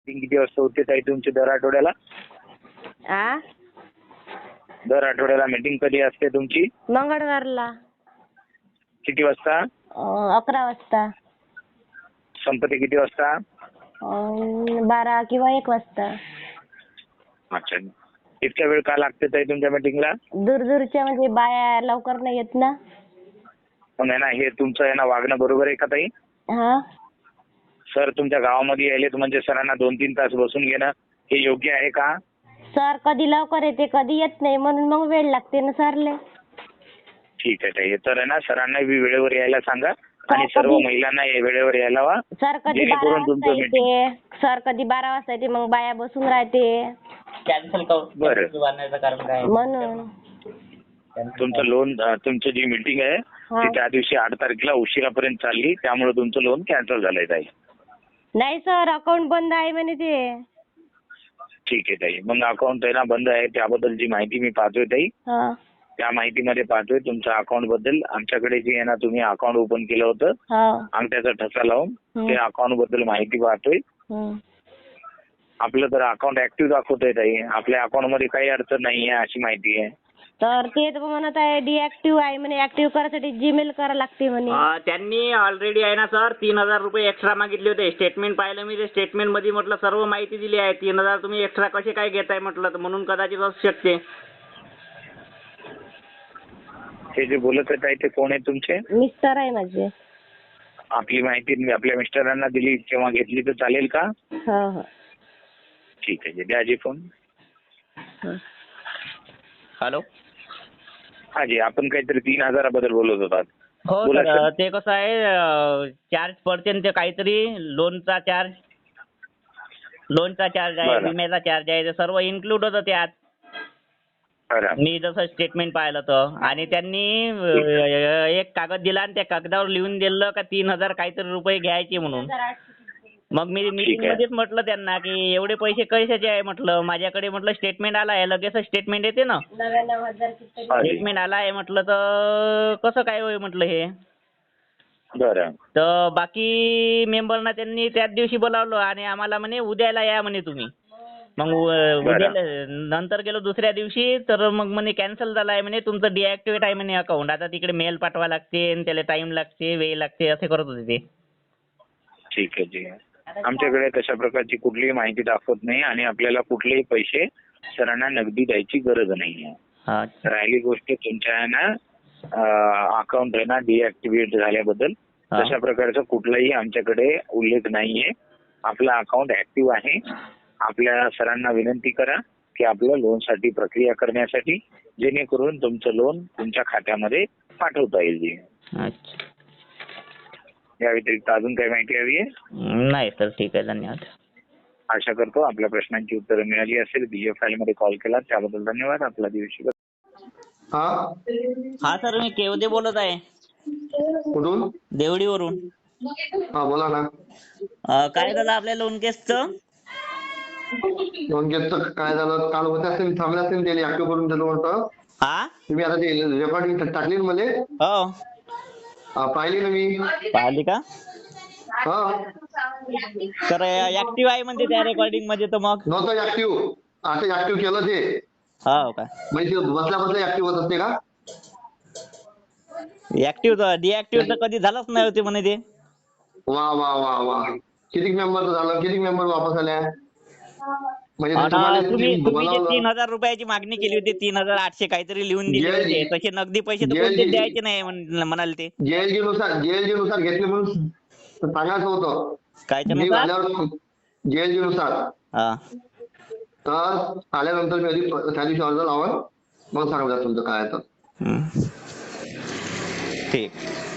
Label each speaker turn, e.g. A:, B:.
A: किती वाजता होते ताई तुमची दर आठवड्याला?
B: आ
A: दर आठवड्याला मीटिंग कधी असते तुमची?
B: मंगळवारला
A: किती वाजता?
B: 11 वाजता.
A: संपते किती वाजता?
B: 12 किंवा 1 वाजता.
A: अच्छा, इतका वेळ का लागते ताई तुमच्या मीटिंगला?
B: दूरच्या म्हणजे बाया लवकर नाही येत ना.
A: पण आहे ना, हे तुमचं आहे ना वागणं बरोबर आहे का ताई?
B: हा
A: सर तुमच्या गावामध्ये यायलेत म्हणजे सरांना 2-3 तास बसून घेणं हे योग्य आहे का?
B: सर कधी लवकर येते कधी येत नाही म्हणून मग वेळ लागते ना सरले.
A: ठीक आहे ताई, तर आहे ना सरांना वेळेवर यायला सांगा आणि
B: सर
A: सर्व महिलांना वेळेवर यायला हवा.
B: सर कधी 12
A: जेणेकरून
B: वाजता
A: तुमचं मीटिंग
B: येते. सर कधी 12 वाजता येते मग बाया बसून राहते
C: कॅन्सल
A: बरं.
C: करण्याचं कारण काय?
B: म्हणून.
A: तुमचं लोन तुमचं जी मीटिंग आहे ती त्या दिवशी 8 तारखेला उशिरापर्यंत चालली, त्यामुळे तुमचं लोन कॅन्सल झालंय ताई.
B: नाही सर अकाउंट बंद आहे म्हणे ते.
A: ठीक आहे ताई, मग अकाउंट आहे ना बंद आहे त्याबद्दल जी माहिती मी पाहतोय ताई,
B: हा
A: त्या माहितीमध्ये पाहतोय तुमच्या अकाउंट बद्दल आमच्याकडे जे आहे ना तुम्ही अकाउंट ओपन केलं होतं
B: हा
A: अंगठ्याचा ठसा लावून ते अकाउंट बद्दल माहिती पाहतोय. आपलं तर अकाउंट ऍक्टिव्ह दाखवतोय ताई, आपल्या अकाउंट मध्ये काही अडचण नाही आहे अशी माहिती आहे.
B: तर ते तर म्हणत आहे डिऍक्टिव्ह आहे म्हणे. ऍक्टिव्ह करायसाठी जीमेल करा लागते म्हणे.
C: त्यांनी ऑलरेडी आहे ना सर 3,000 रुपये एक्स्ट्रा मागितले होते. स्टेटमेंट पाहिलं मी, ते स्टेटमेंट मध्ये म्हटलं सर्व माहिती दिली आहे. 3,000 तुम्ही एक्स्ट्रा कसे काय घेताय म्हटलं, तर म्हणून कदाचित असू शकते.
A: हे जे बोलत आहेत ताई ते कोण आहे तुमचे?
B: मिस्टर आहे माझे.
A: आपली माहिती मी आपल्या मिस्टरांना दिली किंवा घेतली तर चालेल का?
B: हा हा
A: ठीक आहे, द्या जी फोन.
C: हॅलो.
A: हा जी, आपण काहीतरी 3,000 बद्दल बोलत होतात.
C: हो
A: बोला
C: सर,
A: सर.
C: ते कसं आहे चार्ज पडते ते काहीतरी लोनचा चार्ज आहे,
A: बरं.
C: विम्याचा चार्ज आहे, ते सर्व इन्क्लूड होतं त्यात.
A: बरं.
C: मी जसं स्टेटमेंट पाहिलं तर, आणि त्यांनी एक कागद दिला आणि त्या कागदावर लिहून दिलं का 3,000 काहीतरी रुपये घ्यायचे म्हणून. मग मी मीटिंग मध्येच म्हटलं त्यांना की एवढे पैसे कशाचे आहे म्हटलं, माझ्याकडे म्हटलं स्टेटमेंट आला आहे, लगेच स्टेटमेंट येते ना.
B: 99,000
C: स्टेटमेंट आला आहे म्हटलं तर कसं काय होय म्हटलं हे.
A: बरं.
C: तर बाकी मेंबरना त्यांनी त्याच दिवशी बोलावलं आणि आम्हाला म्हणे उद्याला या म्हणे तुम्ही. मग उद्याला नंतर गेलो दुसऱ्या दिवशी तर मग म्हणे कॅन्सल झाला आहे म्हणे, तुमचं डिॲक्टिव्हेट आहे म्हणे अकाउंट. आता तिकडे मेल पाठवा लागते आणि त्याला टाइम लागते, वेळ लागते, असे करत होते ते.
A: ठीक आहे जी, आमच्याकडे तशा प्रकारची कुठलीही माहिती दाखवत नाही आणि आपल्याला कुठलेही पैसे सरांना नगदी द्यायची गरज नाही आहे. राहिली गोष्ट तुमच्या आहे ना अकाउंट आहे ना डिॲक्टिव्हेट झाल्याबद्दल, तशा प्रकारचा कुठलाही आमच्याकडे उल्लेख नाहीये. आपला अकाउंट ऍक्टिव्ह आहे. आपल्या सरांना विनंती करा की आपल्या लोनसाठी प्रक्रिया करण्यासाठी, जेणेकरून तुमचं लोन तुमच्या खात्यामध्ये पाठवता येईल. या व्यतिरिक्त अजून काही माहिती हवी आहे?
C: नाही सर, ठीक आहे, धन्यवाद.
A: आशा करतो आपल्या प्रश्नांची उत्तरं मिळाली असेल. बीएफ फाईल मध्ये कॉल केला त्याबद्दल धन्यवाद. आपला दिवशी.
C: हा सर, मी केवदे बोलत आहे.
D: कुठून?
C: देवडीवरून.
D: हा बोला ना.
C: काय झालं आपल्या लोन केसचं?
D: लोन केसचं काय झालं, काल होत असेल, थांबलं असेल, त्याने ऍक्टिव्ह करून दिलं होतं.
C: हा
D: तुम्ही आता ते रेकॉर्डिंग टाकली ना मध्ये?
C: हो,
D: पाहिली ना मी.
C: पाहिली का?
D: हा
C: तर ऍक्टिव्ह आहे म्हणते त्या रेकॉर्डिंग मध्ये. तर मग
D: नव्हतं ऍक्टिव्ह, आता ऍक्टिव्ह केलं ते.
C: हो का?
D: म्हणजे बसल्या बसल्या ऍक्टिव्ह होत असते का?
C: ऍक्टिव्ह तर डिऍक्टिव्ह तर कधी झालंच नाही होते म्हणे ते.
D: वा वा वा वा, किती मेंबर झालं, किती मेंबर वापस आल्या? म्हणजे
C: तुम्ही जे 3,000 रुपयाची मागणी केली होती, 3,800 काहीतरी लिहून दिले होते, तसे नगदी पैसे तर कोणते द्यायचे नाही म्हणाले ते.
D: जेएलजी नुसार घेतले म्हणून सांगायचं होतं.
C: काय
D: जेएलजी नुसार.
C: हा,
D: तर आल्यानंतर मी त्या दिवशी अर्ज लावा, मग सांगा तुमचं काय तर.
C: ठीक.